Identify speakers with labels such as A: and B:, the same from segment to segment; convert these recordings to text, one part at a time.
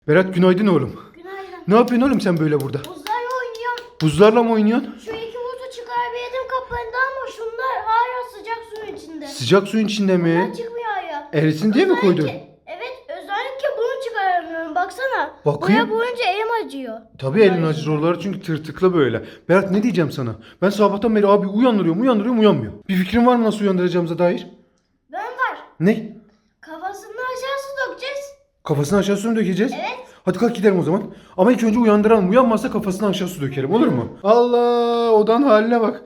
A: Berat günaydın oğlum.
B: Günaydın.
A: Ne yapıyorsun oğlum sen böyle burada?
B: Buzlarla oynuyorum.
A: Buzlarla mı oynuyorsun?
B: Şu iki buzu çıkarabildim kaplarında ama şunlar hala sıcak suyun içinde.
A: Sıcak suyun içinde mi?
B: Bunlar çıkmıyor hala.
A: Erisin diye mi koydun?
B: Evet, özellikle bunu çıkaramıyorum. Baksana.
A: Bakayım.
B: Boya boyunca elim acıyor.
A: Tabii elin acır oraları çünkü tırtıklı böyle. Berat ne diyeceğim sana? Ben sabahtan beri abi uyandırıyorum uyanmıyor. Bir fikrin var mı nasıl uyandıracağımıza dair?
B: Ben var.
A: Ne?
B: Kafasını aşağı su dökeceğiz.
A: Kafasına aşağı su mu dökeceğiz?
B: Evet.
A: Hadi kalk gidelim o zaman. Ama ilk önce uyandıralım. Uyanmazsa kafasına aşağı su dökelim olur mu? Allah odan haline bak.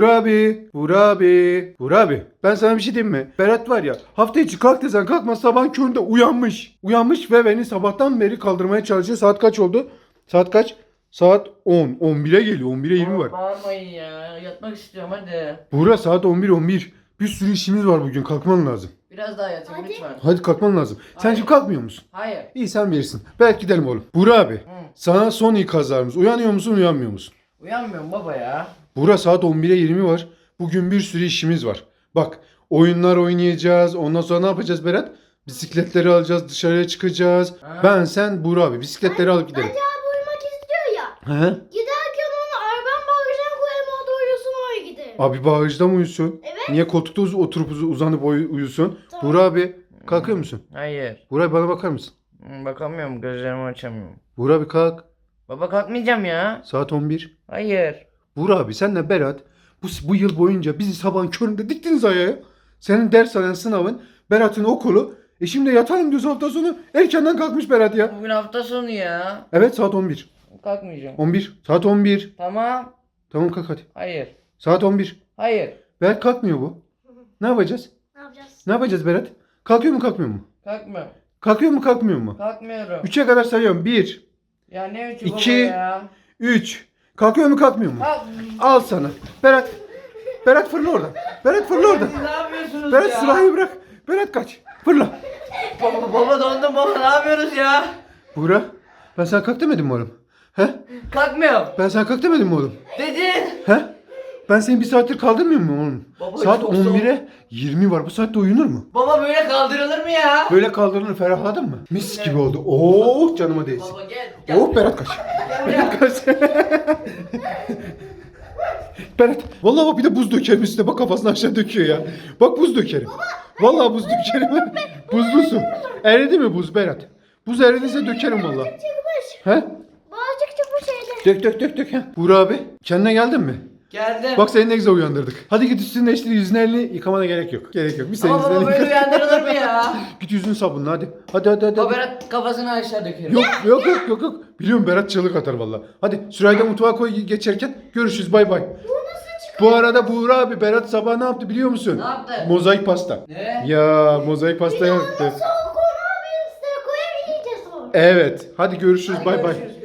A: Buğra abi. Ben sana bir şey diyeyim mi? Berat var ya hafta içi kalk desen kalkmaz sabahın köründe uyanmış. Uyanmış ve beni sabahtan beri kaldırmaya çalışıyor. Saat kaç oldu? Saat kaç? Saat 10. 11'e geliyor. 11'e 20 var.
C: Bağırmayın ya. Yatmak istiyorum hadi.
A: Buğra saat 11. Bir sürü işimiz var bugün. Kalkman lazım.
C: Biraz daha yatayım
B: Hadi.
C: lütfen.
A: Hadi kalkman lazım. Sen
C: Hayır.
A: şimdi kalkmıyor musun?
C: Hayır.
A: İyi sen bilirsin. Belki gidelim oğlum. Buğra abi. Sana son ikazlarımız. Uyanıyor musun uyanmıyor musun?
C: Uyanmıyorum baba ya.
A: Buğra saat 11'e 20 var. Bugün bir sürü işimiz var. Bak oyunlar oynayacağız. Ondan sonra ne yapacağız Berat? Bisikletleri alacağız. Dışarıya çıkacağız.
C: Ha.
A: Ben, sen, Buğra abi. Bisikletleri alıp gidelim.
B: Bence abi uyumak istiyor ya.
A: He?
B: Giderken onu arabanın bagajına koyalım, o da uyusun, öyle gidelim.
A: Abi bağışta mı uyusun?
B: Evet.
A: Niye koltukta oturup uzanıp uyusun?
B: Tamam.
A: Buğra abi kalkıyor musun?
C: Hayır.
A: Buğra abi bana bakar mısın?
C: Bakamıyorum, gözlerimi açamıyorum.
A: Buğra abi kalk.
C: Baba kalkmayacağım ya.
A: Saat 11.
C: Hayır.
A: Buğra abi senle Berat bu yıl boyunca bizi sabahın köründe diktiniz ayağa. Senin dershanen sınavın, Berat'ın okulu. Şimdi yatalım diyoruz hafta sonu. Erkenden kalkmış Berat ya.
C: Bugün hafta sonu ya.
A: Evet saat 11.
C: Kalkmayacağım.
A: 11. Saat 11.
C: Tamam.
A: Tamam kalk hadi.
C: Hayır.
A: Saat 11.
C: Hayır.
A: Berat kalkmıyor bu. Ne yapacağız?
B: Ne yapacağız?
A: Ne yapacağız Berat? Kalkıyor mu kalkmıyor mu?
C: Kalkmıyorum.
A: Kalkıyor mu kalkmıyor mu?
C: Kalkmıyorum.
A: 3'e kadar sayıyorum. 1,
C: Ya ne üçü
A: İki.
C: baba ya?
A: 3. Kalkıyor mu kalkmıyor mu?
C: Kalk.
A: Al sana. Berat. Berat fırla oradan. Berat fırla oradan.
C: Siz ne yapıyorsunuz
A: Berat
C: ya?
A: silahı bırak. Berat kaç. Fırla.
C: Baba dondum baba, ne yapıyoruz ya?
A: Buğra. Ben sana kalk demedim mi oğlum? He?
C: Kalkmıyorum.
A: Ben sana kalk demedim mi oğlum?
C: Dedin.
A: He? Ben seni bir saattir kaldırmıyor muyum oğlum?
C: Baba,
A: Saat
C: çok soğuk.
A: 11'e 20 var. Bu saatte uyunur mu?
C: Baba böyle kaldırılır mı ya?
A: Böyle kaldırılır, ferahladın mı? Mis gibi oldu. Oh canıma değsin.
C: Baba gel.
A: Oh Berat kaç. Berat kaç. Berat. Vallahi bak bir de buz dökerim üstüne. Bak kafasını aşağı döküyor ya. Bak buz dökerim. Vallahi buz dökerim. Buzlu su. Eridi mi buz Berat? Buz eridiyse dökerim vallahi.
B: Çıkmış.
A: He?
B: Bağcık çıkmış şeyde.
A: Dök. He. Buğra abi kendine geldin mi?
C: Geldim.
A: Bak seni ne güzel uyandırdık. Hadi git üstünü değiştir, yüzünü elini yıkamana gerek yok. Gerek yok. Bir senin
C: Ama
A: yüzünü
C: baba
A: elini
C: böyle
A: yıka.
C: uyandırılır mı ya?
A: Git yüzünü sabunla hadi. Hadi.
C: Baba Berat kafasını aşağı dökerim.
A: Yok. Biliyorum Berat çığlık atar valla. Hadi Sürayı da mutfağa koy geçerken görüşürüz bay bay.
B: Bu nasıl çıkıyor?
A: Bu arada Buğra abi Berat sabah ne yaptı biliyor musun?
C: Ne yaptı?
A: Mozaik pasta.
C: Ne?
A: Ya mozaik pasta yaptı.
B: Soğuk onu abi üstüne koyup yiyeceğiz onu.
A: Evet. Hadi görüşürüz
C: Hadi
A: bay bay.
C: görüşürüz.